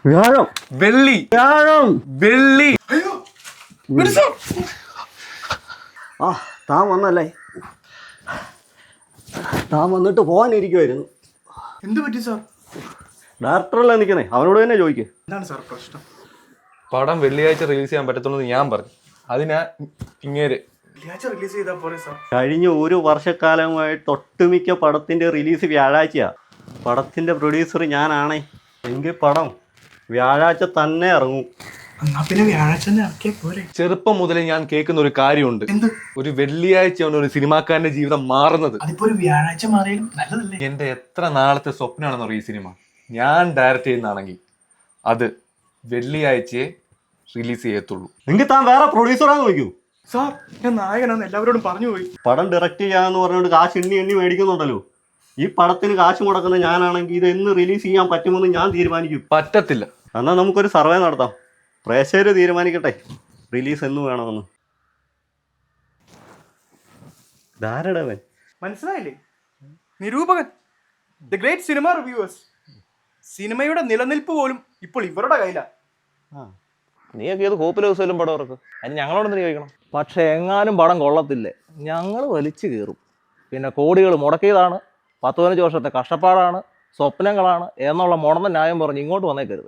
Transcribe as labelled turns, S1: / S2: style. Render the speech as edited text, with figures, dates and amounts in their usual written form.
S1: വ്യാഴം
S2: വെള്ളി
S1: വ്യാഴം
S2: വെള്ളി.
S1: ആ താൻ വന്നല്ലേ? താൻ വന്നിട്ട് പോകാനിരിക്കുമായിരുന്നു.
S3: എന്ത് പറ്റി സാർ?
S1: ഡയറക്ടറല്ലേ നിൽക്കുന്നേ, അവനോട് തന്നെ ചോദിക്കേ.
S3: എന്താണ് സാർ പ്രശ്നം?
S2: പടം വെള്ളിയാഴ്ച റിലീസ് ചെയ്യാൻ പറ്റത്തുള്ളൂ എന്ന് ഞാൻ പറഞ്ഞു. അതിനാ ഇങ്ങേര്
S3: വെള്ളിയാഴ്ച റിലീസ് ചെയ്താൽ പോരെ സാർ?
S1: കഴിഞ്ഞ ഒരു വർഷക്കാലമായിട്ട് ഒട്ടുമിക്ക പടത്തിൻ്റെ റിലീസ് വ്യാഴാഴ്ചയാണ്. പടത്തിൻ്റെ പ്രൊഡ്യൂസർ ഞാനാണേ. എങ്കിൽ പടം വ്യാഴാഴ്ച തന്നെ ഇറങ്ങും.
S3: എന്നാ പിന്നെ വ്യാഴാഴ്ച തന്നെ ഇറക്കിയാൽ പോരെ?
S2: ചെറുപ്പം മുതലേ ഞാൻ കേൾക്കുന്ന ഒരു കാര്യമുണ്ട്.
S3: എന്ത്?
S2: ഒരു വെള്ളിയാഴ്ചയാണ് ഒരു സിനിമാക്കാരന്റെ ജീവിതം മാറുന്നത്.
S3: അതിപ്പോ ഒരു വ്യാഴാഴ്ച മാറിയാലും നല്ലതല്ലേ?
S2: എന്റെ എത്ര നാളത്തെ സ്വപ്നമാണെന്ന് അറിയാം ഈ സിനിമ. ഞാൻ ഡയറക്റ്റ് ചെയ്യുന്നതാണെങ്കിൽ അത് വെള്ളിയാഴ്ചയെ റിലീസ് ചെയ്യത്തുള്ളൂ.
S1: എങ്കിൽ താൻ വേറെ പ്രൊഡ്യൂസറാന്ന് നോക്കൂ.
S3: സാർ ഞാൻ നായകനാന്ന് എല്ലാവരോടും പറഞ്ഞു പോയി.
S1: പടം ഡയറക്റ്റ് ചെയ്യാന്ന് പറഞ്ഞുകൊണ്ട് കാശ് എണ്ണി മേടിക്കുന്നുണ്ടല്ലോ. ഈ പടത്തിന് കാശ് മുടക്കുന്ന ഞാനാണെങ്കിൽ ഇത് എന്ന് റിലീസ് ചെയ്യാൻ പറ്റുമെന്ന് ഞാൻ തീരുമാനിക്കും.
S2: പറ്റത്തില്ല.
S1: എന്നാൽ നമുക്കൊരു സർവേ നടത്താം. പ്രേക്ഷകർ തീരുമാനിക്കട്ടെ റിലീസ് എന്ന് വേണമെന്ന്. ധാരടവൻ
S3: മനസ്സിലായില്ലേ? നിരൂപകൻ, ദ ഗ്രേറ്റ് സിനിമ റിവ്യൂവേഴ്സ്. സിനിമയുടെ നിലനിൽപ്പ് പോലും ഇപ്പോൾ ഇവരുടെ കയ്യിലാണ്.
S4: നീയൊക്കെ ഏത് കോപ്പിലെ ദിവസമല്ലും പടം ഇറക്കും, അതിന് ഞങ്ങളോടൊന്നും ചോദിക്കണം. പക്ഷെ എങ്ങാനും പടം കൊള്ളത്തില്ലേ, ഞങ്ങൾ വലിച്ചു കയറും. പിന്നെ കോടികൾ മുടക്കിയതാണ്, 10-15 വർഷത്തെ കഷ്ടപ്പാടാണ്, സ്വപ്നങ്ങളാണ് എന്നുള്ള മുടന്ന ന്യായം പറഞ്ഞ് ഇങ്ങോട്ട് വന്നേക്കരുത്.